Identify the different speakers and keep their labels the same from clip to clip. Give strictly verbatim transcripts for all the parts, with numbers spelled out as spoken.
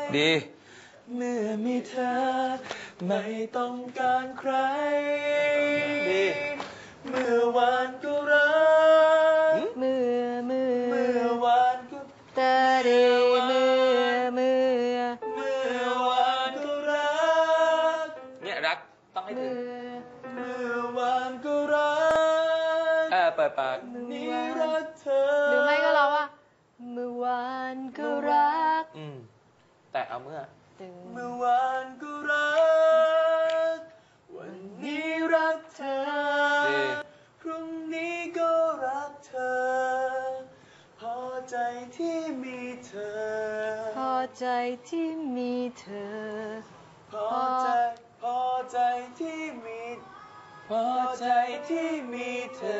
Speaker 1: ดี
Speaker 2: เมื่อมีเธอไม่ต้องการใครดีเมื่อวานก็รัก
Speaker 3: เมื่อเมื่อ
Speaker 2: เมื่อวานก็
Speaker 3: ตาเดเมื่อเมื่อ
Speaker 2: เมื่อวานก็รัก
Speaker 1: เนี่ยรักต้องให้ถึง
Speaker 2: เมื่อวานก็รัก
Speaker 1: เออเปิดปาก
Speaker 2: นี่รักเธอ
Speaker 3: หรือไม่ก็เราว่าเมื่อวานก็รัก
Speaker 1: อืมแต่เอาเมื่อ
Speaker 2: เมื่อวานก็รักวันนี้รักเธอพรุ่งนี้ก็รักเธอพอใจที่มีเธอ
Speaker 3: พอใจที่มีเธอ
Speaker 2: พอใจพอใจที่มีพอใจที่มีเธอ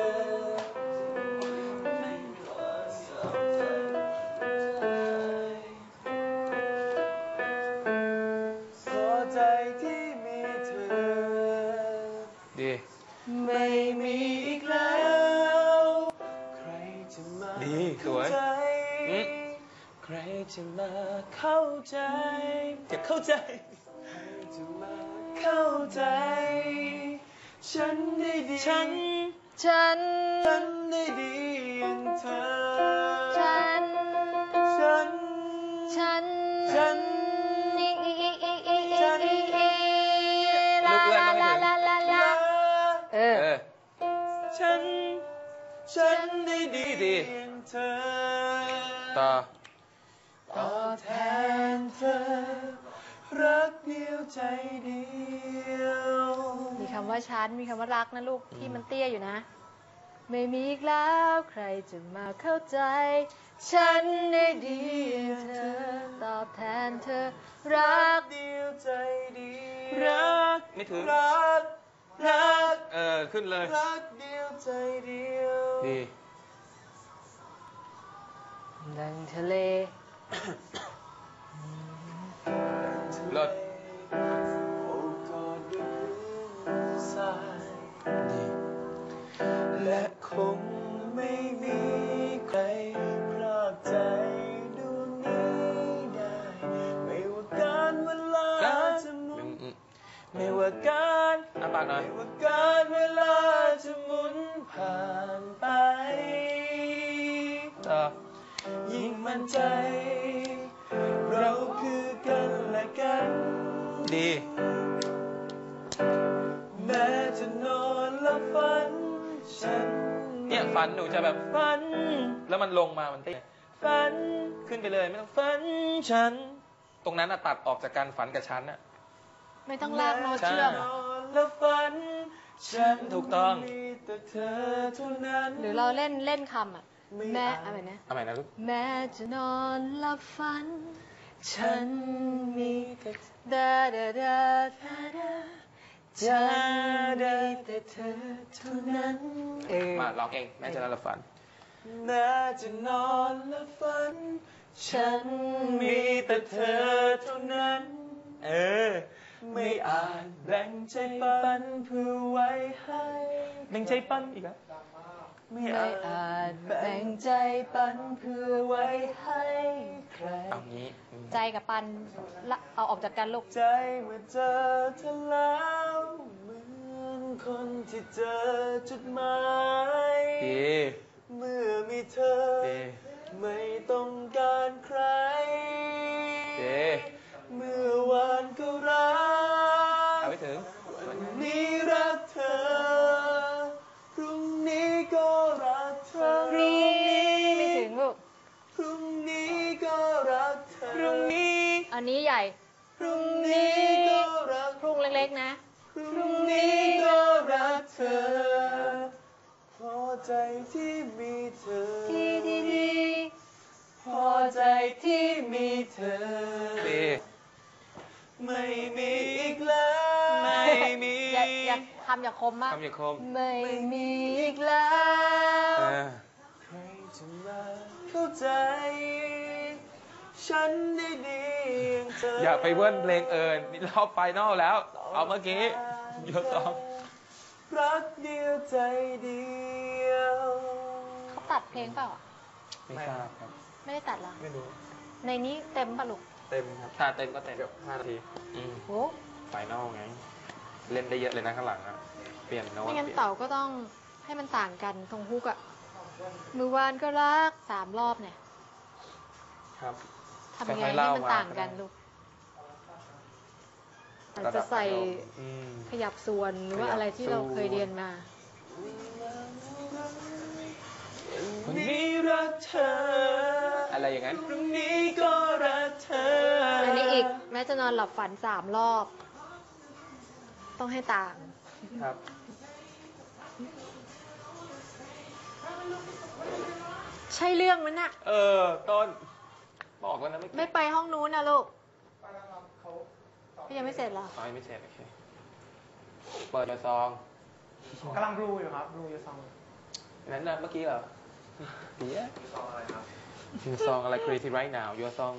Speaker 1: ไม่
Speaker 2: มีอีกแล้วใครจะมาเข้าใจใครจะมาเข้าใจจะเข้าใจใครจะมาเข้าใจฉันได้ดี
Speaker 3: ฉันฉัน
Speaker 2: ฉันได้ดีอย่างเธอ
Speaker 3: ฉัน
Speaker 2: ฉัน
Speaker 3: ฉัน
Speaker 2: ฉัน
Speaker 3: อีอีอีอีอีอีอีลาลาลาลาลาลาเออ
Speaker 2: ฉันฉันได้ดีอย่างเธอ
Speaker 1: ต่อ
Speaker 2: ตอบแทนเธอรักเดียวใจเดียว
Speaker 3: มีคำว่าฉันมีคำว่ารักนะลูกที่มันเตี้ยอยู่นะไม่มีอีกแล้วใครจะมาเข้าใจฉันได้ดีอย่างเธอตอบแทนเธอรัก
Speaker 2: เดียวใจเดียว
Speaker 1: รักไม่ถึง
Speaker 2: รักรัก
Speaker 1: เออขึ้นเลย
Speaker 2: รักเดียวใจเดียว
Speaker 1: ดี
Speaker 3: ดังทะเล
Speaker 1: เลิศ
Speaker 2: โอ้กอดด้วยสายดีและคงไม่มีใครพรากใจดวงนี้ได้ไม่ว่าการเวลาจะหมุนไม่ว่าการ
Speaker 1: อ่ะปากหน่อย
Speaker 2: ไม่ว่าการเวลาจะหมุนผ่านไป
Speaker 1: ต่อ
Speaker 2: ยิ่งมั่นใจเราคือกันและกัน
Speaker 1: ดี
Speaker 2: แม้จะนอนและฝันฉัน
Speaker 1: เนี่ยฝันหนูจะแบบ
Speaker 2: ฝัน
Speaker 1: แล้วมันลงมามันเต้
Speaker 2: ฝัน
Speaker 1: ขึ้นไปเลยไม่ต้อง
Speaker 2: ฝันฉัน
Speaker 1: ตรงนั้นอะตัดออกจากการฝันกับฉันอะ
Speaker 3: ไม่ต้องลากโน้ตเชื่อม
Speaker 2: และฝันฉัน
Speaker 1: ถูกต้อง
Speaker 2: มีแต่เธอเท่านั้น
Speaker 3: หรือเราเล่นเล่นคำอ่ะแม้อะไรนะ
Speaker 1: อะไรนะลูก
Speaker 3: แม้จะนอนหลับฝันฉันมีแต่ดาดาดาดาดา
Speaker 2: จะได้แต่เธอเท่านั้น
Speaker 1: มาร้องเองแม้จะนอนหลับฝัน
Speaker 2: แม้จะนอนหลับฝันฉันมีแต่เธอเท่านั้นเออไม่อาจแบ่งใจปันเพื่อไว้ให้
Speaker 1: แบ่งใจปันอีกแล้ว
Speaker 2: ไม่อาจแบ่งใจปันเพื่อไว้ให้ใคร
Speaker 1: เอางี้
Speaker 3: ใจกับปันเอาออกจากกันลูก
Speaker 2: ใจเมื่อเจอเธอแล้วเหมือนคนที่เจอจุดหมายเมื่อมีเธอไม่ต้องการใครเมื่อวานก็รัก
Speaker 1: เอาไปถึง
Speaker 2: วันนี้รักเธอพรุ่งนี้ก็รักเธอ
Speaker 3: พรุ่งนี้ไม่ถึงลูก
Speaker 2: พรุ่งนี้ก็รักเธอ
Speaker 1: พรุ่งนี้
Speaker 3: อันนี้ใหญ่
Speaker 2: พรุ่งนี้ก็รัก
Speaker 3: พรุ่งเล็กๆนะ
Speaker 2: พรุ่งนี้ก็รักเธอพอใจที่มีเธอ
Speaker 3: ที่ดี
Speaker 2: ๆพอใจที่มีเธอไม่มีอีกแล้ว
Speaker 1: ไม่มี
Speaker 3: อย่าอย่าคำอย่าคมมาก
Speaker 1: คำอย่าคม
Speaker 3: ไม่มีอีกแล้ว
Speaker 2: ใครจะมาเข้าใจฉันได้ดีอย่างเธอ
Speaker 1: อย่าไปเวิ้นเพลงเอิญนี่รอบไฟนอลแล้วเอาเมื่อกี้ยกต่อ
Speaker 2: รักเดียวใจเดียว
Speaker 3: เขาตัดเพลงเปล่า
Speaker 1: ไม่ทราบครับ
Speaker 3: ไม่ได้ตัดหรอ
Speaker 2: ไม่รู้
Speaker 3: ในนี้เต็มป่ะลูก
Speaker 2: เเต็มครับ
Speaker 1: ถ้าเต็มก็เต็ม
Speaker 2: เกือบห้านาที
Speaker 1: อืม
Speaker 3: โอ้
Speaker 1: ไฟนอลไง เล่นได้เยอะเลยนะข้างหลังอะเปลี่ยนโน้ต
Speaker 3: ไม่งั้น
Speaker 1: ปลี่ย
Speaker 3: เต่าก็ต้องให้มันต่างกันตรงฮุกอะเมื่อวานก็รักสามรอบเนี่ย
Speaker 2: ครับ
Speaker 3: ทำยังไง
Speaker 1: ค่อยๆ
Speaker 3: ให้
Speaker 1: เล่า
Speaker 3: มัน
Speaker 1: มา
Speaker 3: ต่างกันลูกอาจจะใส่
Speaker 1: อืม
Speaker 3: ขยับส่วนหรือว่าอะไรที่เราเคยเรียนมา
Speaker 2: วันนี้รักเธอ
Speaker 1: อะไรอย่างนั้น
Speaker 2: พรุ่งนี้ก็รักเธอ
Speaker 3: อั
Speaker 2: อั
Speaker 3: นนี้อีกแม้จะนอนหลับฝันสามรอบ ต้องให้ต่าง
Speaker 2: ครับ
Speaker 3: ใช่เรื่องมันน่ะ
Speaker 1: เออ ต้น บอกแล้วนะไม่
Speaker 3: ไม่ไปห้องนู้นนะลูกพี่ยังไม่เสร็จเหรอ
Speaker 1: ตอนไม่เสร็จโอเค เปิดซอง
Speaker 4: กำลังรูอยู่ครับ รูอยู่ซอง
Speaker 1: นั้นนะเมื่อกี้เหรอเดี๋ยวซองอะไรครับ ซองอะไร crazy right now your song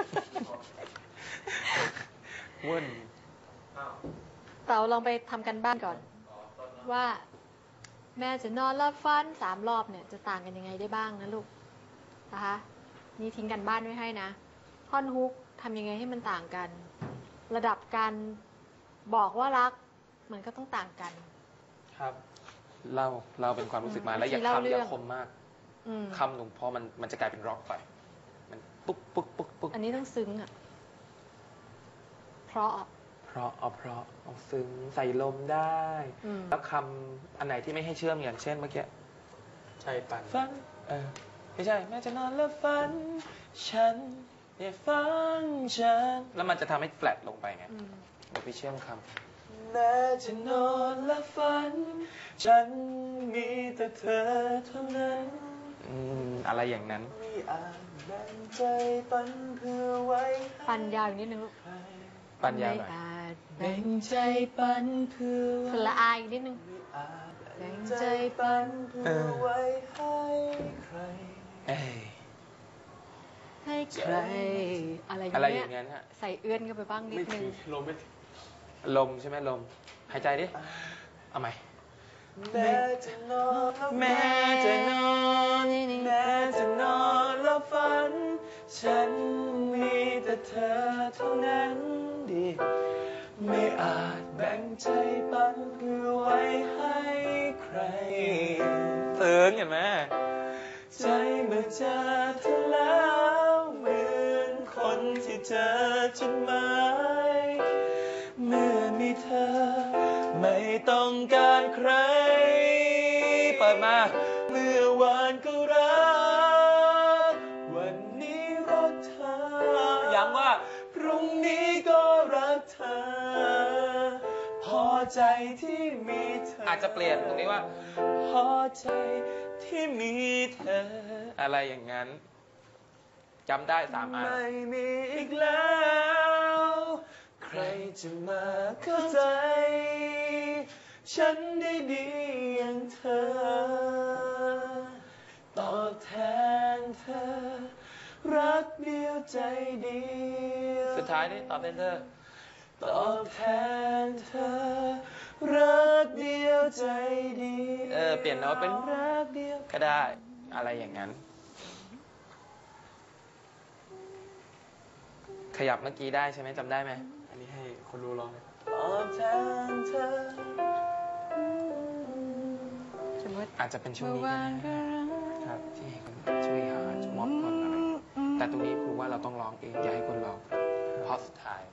Speaker 1: วุ่น
Speaker 3: เต๋าลองไปทำกันบ้านก่อน ว่า แม่จะนอนรับฟันสามรอบเนี่ยจะต่างกันยังไงได้บ้างนะลูกนะคะนี่ทิ้งกันบ้านไว้ให้นะท่อนฮุกทำยังไงให้มันต่างกัน ระดับการบอกว่ารักมันก็ต้องต่างกัน
Speaker 1: ครับเล่าเล่าเป็นความรู้สึกมา
Speaker 3: อืม
Speaker 1: แล้วอย่า
Speaker 3: เล่า
Speaker 1: คำ
Speaker 3: เรื่
Speaker 1: อ
Speaker 3: อง
Speaker 1: ย่าคมมาก
Speaker 3: อืม
Speaker 1: คำหนุ่มพอมันมันจะกลายเป็นร็อกไป มันปุ๊กปุ๊กปุ๊กปุ๊ก
Speaker 3: อันนี้ต้องซึ้งอ่ะ เพราะ
Speaker 1: เพราะเอาเพราะเอาซึ้งใส่ลมได้
Speaker 3: อืม
Speaker 1: แล้วคำอันไหนที่ไม่ให้เชื่อมอย่างเช่นเมื่อกี้
Speaker 2: ใจปั่น
Speaker 1: ฝันเออไม่ใช่แม่จะนอนแล้วฝัน ฉันอย่าฝันฉันแล้วมันจะทำให้แฟลตลงไปไง
Speaker 3: อืม
Speaker 1: เดี๋ยวไปเชื่อมค
Speaker 2: แม้จะนอนและฝัน ฉันมีแต่เธอเท่านั้น
Speaker 1: ำอืมอะไรอย่างนั้น
Speaker 2: ไม่อาจแบ่งใจปันเพื่อไว้
Speaker 3: ปันยาวอีกนิดนึงลูก
Speaker 2: ใคร
Speaker 1: ปัญญาหน่อย
Speaker 3: ไม่อาจ
Speaker 2: แบ่งใจปันเพื่อ
Speaker 3: สละอายอีกนิดนึง
Speaker 2: ไม่อาจแบ่งใจปันเพื่อไว้ให้ใคร
Speaker 1: เอ้ย
Speaker 3: ให้ใคร อะไรอย่าง
Speaker 1: อะไรอ
Speaker 3: เงี้ย
Speaker 1: ย่างนั้นฮะ
Speaker 3: ใส่เอื้อนเข้าไปบ้างนิด
Speaker 2: ไม่
Speaker 3: นึ
Speaker 2: ถึ
Speaker 3: ง
Speaker 2: งลมไม่ถึง
Speaker 1: ลมใช่ไหมลม หายใจดิ เอาใหม่
Speaker 2: แม้จะนอน
Speaker 1: แม้จะนอน
Speaker 2: แม้จะนอนแล้วฝัน ฉันมีแต่เธอเท่านั้นดี ไม่อาจแบ่งใจปันเพื่อไว้ให้ใคร
Speaker 1: เตือนเห็นไหม
Speaker 2: ใจเมื่อเจอเธอแล้วเหมือนคนที่เจอจดหมายเมื่อมีเธอ ไม่ต้องการใคร
Speaker 1: เปิดมา
Speaker 2: เมื่อวานก็รัก วันนี้รักเธอ
Speaker 1: ย้ำว่า
Speaker 2: พรุ่งนี้ก็รักเธอ พอใจที่มีเธอ
Speaker 1: อา
Speaker 2: อา
Speaker 1: จจะเปลี่ยนตรงนี้ว่า
Speaker 2: พอใจที่มีเธอ
Speaker 1: อะไรอย่างนั้นจำได้สามอัน
Speaker 2: ไม่มีอีกแล้ว ใครจะมาเข้าใจ ฉันได้ดีอย่างเธอ ตอบแทนเธอ รักเดียวใจเดียว
Speaker 1: สุดท้ายนี่ตอบเป็นเธอ
Speaker 2: ตอบแทนเธอ รักเดียวใจเดียว
Speaker 1: เออเปลี่ยนโน้ตเป็นรักเดียวก็ได้ อะไรอย่างนั้น ขยับเมื่อกี้ได้ใช่ไหมจำได้ไหม
Speaker 2: อันนี้ให้คนรู้ร้องเลยตอบแทนเธอ
Speaker 3: สมมติ
Speaker 1: อาจจะเป็นช่วงนี้ก็ได้ครับที่ให้คนช่วยหาม็อบคนอะไรแต่ตรงนี้ครูว่าเราต้องร้องเองอย่าให้คนร้องเพราะสุดท้าย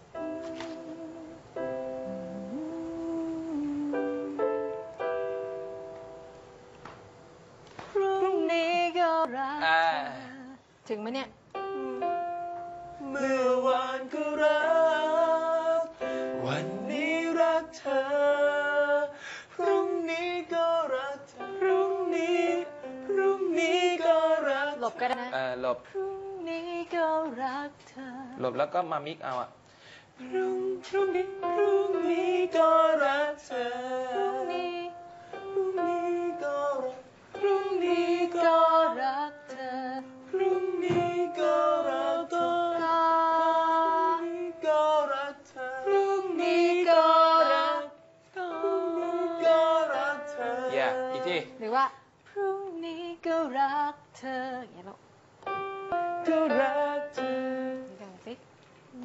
Speaker 3: พรุ่งนี้ก็รัก
Speaker 1: อ่า
Speaker 3: ถึงไหมเนี่ย
Speaker 2: เมื่อวานก็รัก วันนี้รักเธอ พรุ่งนี้ก็รักเธอ พรุ่งนี้ พรุ่งนี้ก็รัก
Speaker 3: หลบก็ได้นะ
Speaker 1: เออหลบ
Speaker 3: พรุ่งนี้ก็รักเธอ
Speaker 1: หลบแล้วก็มามิกเอาอะ
Speaker 2: พรุ่งพรุ่งนี้ พรุ่งนี้ก็รักเธอ
Speaker 3: พรุ่งนี้
Speaker 2: พรุ่งนี้ก็รัก พรุ่งนี้
Speaker 3: ก็
Speaker 2: ก็
Speaker 3: รักเธอ
Speaker 2: พรุ่งนี้ก็รักเธอ
Speaker 3: ก็
Speaker 2: พรุ่งนี้ก็รักเธอ
Speaker 3: พรุ่งนี้ก็รัก
Speaker 2: ก็รักเธอ
Speaker 1: เย่อีกที
Speaker 3: หรือว่า พรุ่งนี้ก็รักเธออย่างเงี้ยลูก
Speaker 2: ก็รักเธอ
Speaker 3: นี่กันสิ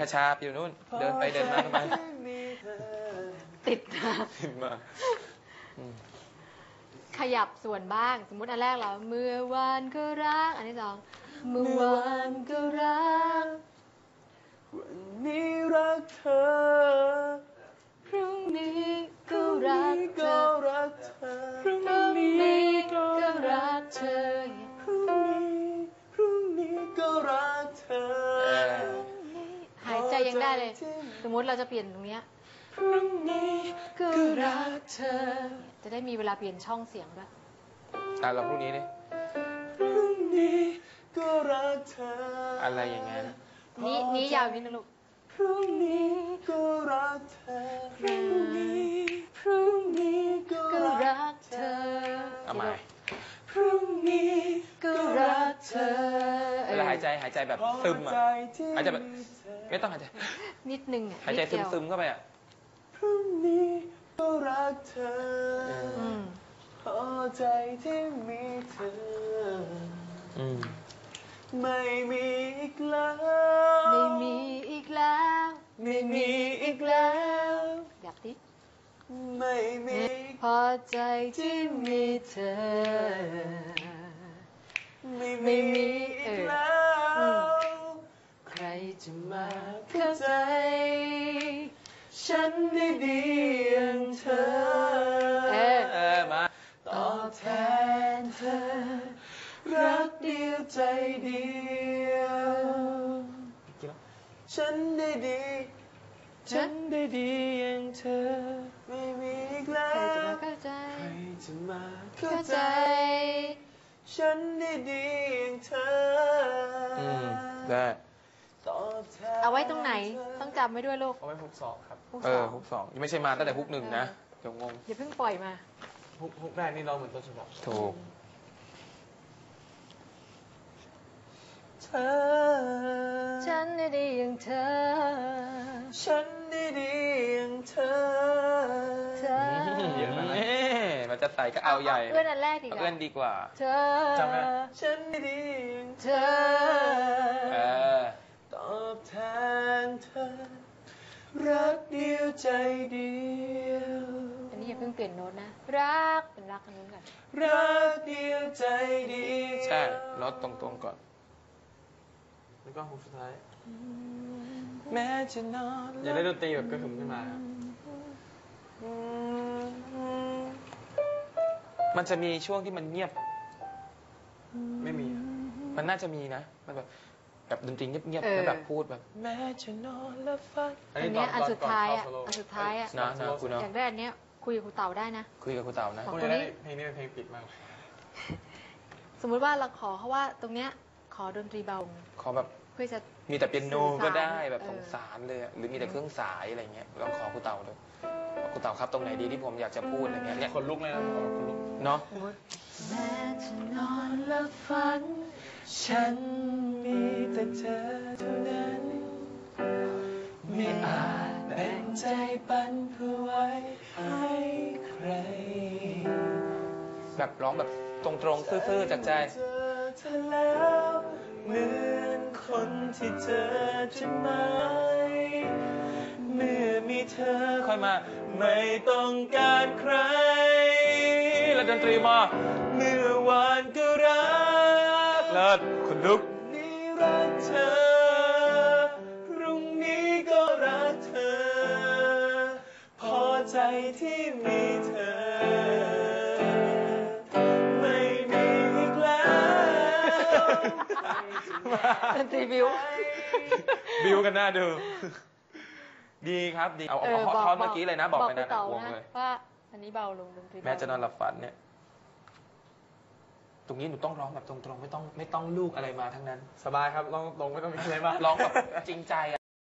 Speaker 1: ชาๆอยู่นู่นเดินไปเดินมาทำไม
Speaker 3: ติดนะ
Speaker 1: ขึ้นมาอืม
Speaker 3: ขยับส่วนบ้าง สมมุติอันแรกเราเมื่อวานก็รัก อันที่สองเมื่อวานก็รัก
Speaker 2: วันนี้รักเธอ
Speaker 3: พรุ่งนี้ก็รักเธ
Speaker 2: ก็
Speaker 3: อ
Speaker 2: รักเธอ
Speaker 3: พรุ่งนี้ก็รักเธอ
Speaker 2: พรุ่งนี้พรุ่งนี้ก็รักเธอ
Speaker 1: เออ
Speaker 3: หายใจยังได้เลย สมมุติเราจะเปลี่ยนตรงเนี้ย
Speaker 2: พรุ่งนี้ก็รักเธอ
Speaker 3: จะได้มีเวลาเปลี่ยนช่องเสียงด้วย
Speaker 1: อ่ะเราพรุ่งนี้ดิ
Speaker 2: พรุ่งนี้ก็รักเธอ
Speaker 1: อะ
Speaker 2: อะไร
Speaker 1: อย่างเงี้ย
Speaker 3: นี้นี้ยาวนิดนึงลูก
Speaker 2: พรุ่งนี้ก็รักเธอ พรุ่งนี้พรุ่งนี้ก็
Speaker 3: ก็
Speaker 2: รั
Speaker 3: รั
Speaker 2: ก
Speaker 3: ก
Speaker 2: เธ
Speaker 3: เธ
Speaker 2: อ
Speaker 3: อ
Speaker 1: เอาใหม่
Speaker 2: พรุ่งนี้ก็รักเธอ
Speaker 1: เวลาหายใจหายใจแบบซึมอ่ะ หายใจแบบไม่ต้องหายใจ
Speaker 3: นิดนึงอ่ะ
Speaker 1: หายใจ
Speaker 3: นิดเดีว
Speaker 1: ซึมๆเข้าไปอ่ะ
Speaker 2: พรุ่งนี้ก็รักเธอ
Speaker 3: อืม
Speaker 2: พอใจที่มีเธอ
Speaker 1: อืม
Speaker 2: ไม่มีอีกแล้ว
Speaker 3: ไม่มีอีกแล้ว
Speaker 2: ไม่มีอีกแล้ว
Speaker 3: อยากดิ
Speaker 2: ไม่มี
Speaker 3: พอใจที่มีเธอ
Speaker 2: ไม่มีอีกแล้ว
Speaker 3: ใครจะ
Speaker 2: มา
Speaker 3: มา
Speaker 2: เข้าใจ ฉันได้ดีอย่างเธอ
Speaker 3: เออ
Speaker 1: เออมา
Speaker 2: ตอบแทนเธอ รักเดียวใจเดียว ฉันได้ดี ฉันได้ดีอย่างเธอ ไม่มีอีกแล้
Speaker 3: ใครจะ
Speaker 2: ว
Speaker 3: มาเข้าใจ
Speaker 2: ใครจะมาเข้า
Speaker 3: เข้า
Speaker 2: ใจ
Speaker 3: ใจ
Speaker 2: ฉันได้ดีอย่างเธอ
Speaker 1: อืมได้
Speaker 2: ตอบแทน
Speaker 3: เอาไว้ตรงไหน ต้องจำไว้ด้วยลูก
Speaker 2: เอาไว้ฮุกสองครับ
Speaker 3: ฮุก
Speaker 1: เอ
Speaker 3: ส
Speaker 1: อ
Speaker 3: อง
Speaker 1: ฮุกสองยังไม่ใช่มาตั้งแต่ฮุกหนึ่งนะเดี๋ยวงง
Speaker 3: อย่าเพิ่งปล่อยมา
Speaker 2: ฮุกฮุกแรกนี่เราเหมือนต้นฉบับ
Speaker 1: ถูก
Speaker 2: เธอ
Speaker 3: ฉันได้ดีอย่างเธอ
Speaker 2: ฉันได้ดีอย่างเธอ
Speaker 3: เธอ
Speaker 1: เมันจะใส่ก็เอาใหญ่
Speaker 3: เอื้อนอันแรกดีก
Speaker 1: เอา
Speaker 3: ว่า
Speaker 1: เอื้อนดีกว่า
Speaker 3: เธอ
Speaker 2: จำไหมฉันได้ดีอย่าง
Speaker 3: เธ
Speaker 2: เธ
Speaker 3: อ
Speaker 1: เอ
Speaker 2: อ
Speaker 1: อ
Speaker 2: ตอบแทนเธอ รักเดียวใจเดียว
Speaker 3: อันนี้อย่าเพิ่งเปลี่ยนโน้ตนะ รักเป็นรักอันนู้นก่อน
Speaker 2: รักเดียวใจเดียว
Speaker 1: ใช่ลดตรงๆก่อน
Speaker 2: แล้วก็ฮุกสุดท้าย
Speaker 1: แม้จะนอน
Speaker 2: อย่าได้ดนตรีแบบกระหึ่มขึ้นมาครับ
Speaker 1: มันจะมีช่วงที่มันเงียบ
Speaker 2: ไม่มีครับ
Speaker 1: มันน่าจะมีนะ มันแบบแบบดนตรีเงียบ
Speaker 3: เอ
Speaker 1: ๆ
Speaker 3: อ
Speaker 1: แล้วแบบพูดแบบ แม้จะนอนและฝัน
Speaker 3: อันเนี้ยอันสุดท้ายอ่ะ อันสุดท้ายอ่ะ
Speaker 1: นะนะคุณเนาะ
Speaker 3: อยากได้อันเนี้ยคุยกับครูเต่าได้นะ
Speaker 1: คุยกับครูเต่านะ
Speaker 3: บอก
Speaker 2: คุณจะได้เพลงนี้เป็นเพลงปิดมากเลย
Speaker 3: สมมุติว่าเราขอเขาว่าตรงเนี้ยขอดนตรีเบา
Speaker 1: ขอแบบ
Speaker 3: เพื่อจะ
Speaker 1: มีแต่เปียโนก็ได้แบบ
Speaker 3: เออ
Speaker 1: สงสารเลยอะหรือมีแต่เครื่องสายอะไรเงี้ยลองขอครูเต่าดูบอกครูเต่าครับตรงไหนดีที่ผมอยากจะพูดอะไรเงี้ยเนี่ย
Speaker 2: คนลุกเลยนะคนลุก
Speaker 1: เนาะ
Speaker 3: สมมติ
Speaker 2: แม้จะนอนและฝัน ฉันมีแต่เธอเท่านั้น ไม่อาจแบ่งใจปันเพื่อไว้ให้ใคร
Speaker 1: แบบร้องแบบตรงๆซื่อๆจากใจ
Speaker 2: เจอเธอแล้วเหมือนคนที่เจอจะไม่ เมื่อมีเธอ
Speaker 1: ค่อยมา
Speaker 2: ไม่ต้องการใคร
Speaker 1: แล้วดนตรีมา
Speaker 2: เมื่อวานก็รัก
Speaker 1: เลิศคุณลุก
Speaker 2: นี้รักเธอ พรุ่งนี้ก็รักเธอ พอใจที่มีเธอ ไม่มีอีกแล้ว
Speaker 3: ดนตรีบิว
Speaker 1: บิวกันหน้าดู ดีครับดี เอาเอาเอาท่อนเมื่อกี้เลยนะ บอกไป
Speaker 3: ครู
Speaker 1: นะ
Speaker 3: เต่าว
Speaker 1: ง
Speaker 3: นะ
Speaker 1: เลย
Speaker 3: ว่าอันนี้เบาลงดนตรีเบา
Speaker 1: แม้จะนอนหลับฝันเนี่ย ตรงนี้หนูต้องร้องแบบตรงๆ ไม่ต้องไม่ต้องลูกอะไรมาทั้งนั้น
Speaker 2: สบายครับลองลงไม่ต้องมีอะไรมาก
Speaker 1: ร้องแบบจริงใจอะ